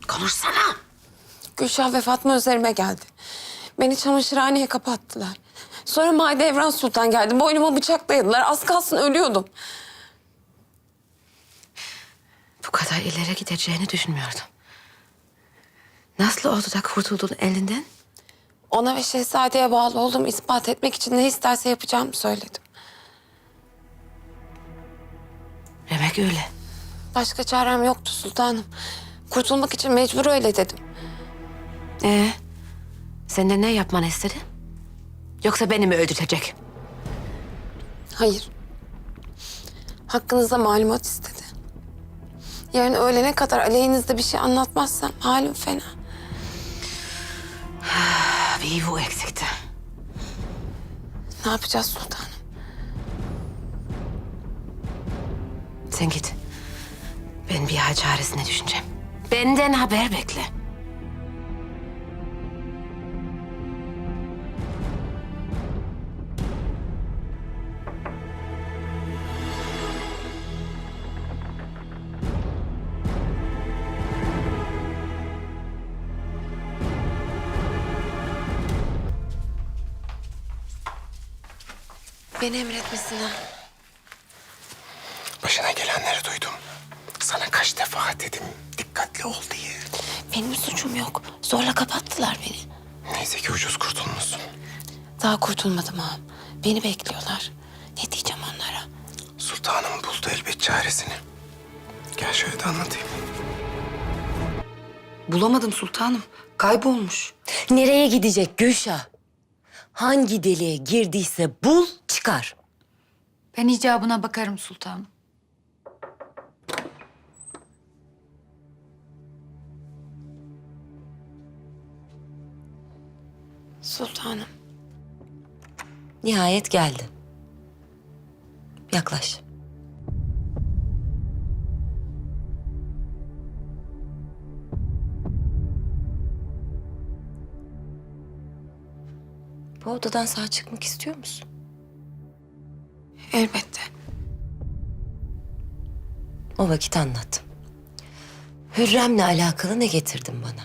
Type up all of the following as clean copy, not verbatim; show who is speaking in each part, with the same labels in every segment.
Speaker 1: Konuşsana.
Speaker 2: Gülşah ve Fatma üzerime geldi. Beni çamaşırhaneye kapattılar. Sonra Mahidevran Sultan geldi. Boynuma bıçak dayadılar. Az kalsın ölüyordum.
Speaker 1: Bu kadar ileri gideceğini düşünmüyordum. Nasıl oldu da kurtuldun elinden?
Speaker 2: Ona ve Şehzade'ye bağlı olduğumu ispat etmek için ne isterse yapacağımı söyledim.
Speaker 1: Demek öyle.
Speaker 2: Başka çarem yoktu sultanım. Kurtulmak için mecbur öyle dedim.
Speaker 1: Senden ne yapmanı istedi? Yoksa beni mi öldürecek?
Speaker 2: Hayır. Hakkınızda malumat istedi. Yarın öğlene kadar aleyhinizde bir şey anlatmazsam halim fena.
Speaker 1: Bir bu eksikti.
Speaker 2: Ne yapacağız sultanım?
Speaker 1: Sen git. Ben bir hal çaresine düşüneceğim. Benden haber bekle.
Speaker 2: Beni emretmesine.
Speaker 3: Başına gelenleri duydum. Sana kaç defa dedim dikkatli ol diye.
Speaker 2: Benim suçum yok. Zorla kapattılar beni.
Speaker 3: Neyse ki ucuz kurtulmuşsun.
Speaker 2: Daha kurtulmadım ağam. Beni bekliyorlar. Ne diyeceğim onlara?
Speaker 3: Sultanım buldu elbet çaresini. Gel şöyle de anlatayım.
Speaker 4: Bulamadım sultanım. Kaybolmuş.
Speaker 5: Nereye gidecek Gülşah? Hangi deliğe girdiyse bul, çıkar.
Speaker 6: Ben icabına bakarım sultanım.
Speaker 2: Sultanım.
Speaker 5: Nihayet geldi. Yaklaş. Bu odadan sağ çıkmak istiyor musun?
Speaker 2: Elbette.
Speaker 5: O vakit anlat. Hürrem'le alakalı ne getirdin bana?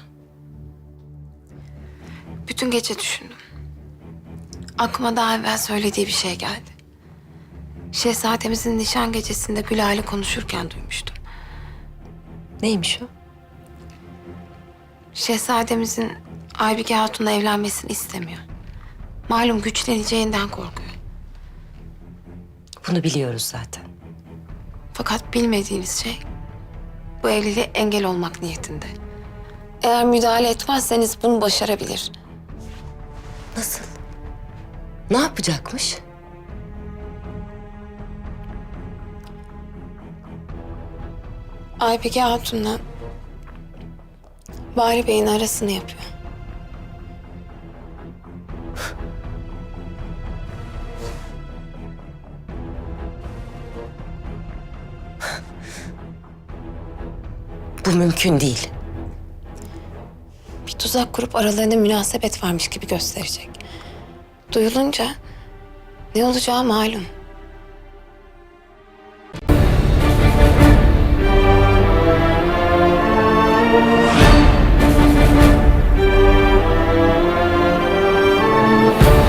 Speaker 2: Bütün gece düşündüm. Aklıma daha evvel söylediği bir şey geldi. Şehzademizin nişan gecesinde Gülal'le konuşurken duymuştum.
Speaker 5: Neymiş o?
Speaker 2: Şehzademizin Aybike Hatun'la evlenmesini istemiyor. Malum güçleneceğinden korkuyor.
Speaker 5: Bunu biliyoruz zaten.
Speaker 2: Fakat bilmediğiniz şey bu evliliğe engel olmak niyetinde. Eğer müdahale etmezseniz bunu başarabilir.
Speaker 5: Nasıl? Ne yapacakmış?
Speaker 2: Aybike Hatun'la Bahri Bey'in arasını yapıyor.
Speaker 5: Bu mümkün değil.
Speaker 2: Bir tuzak kurup aralarında münasebet varmış gibi gösterecek. Duyulunca ne olacağı malum.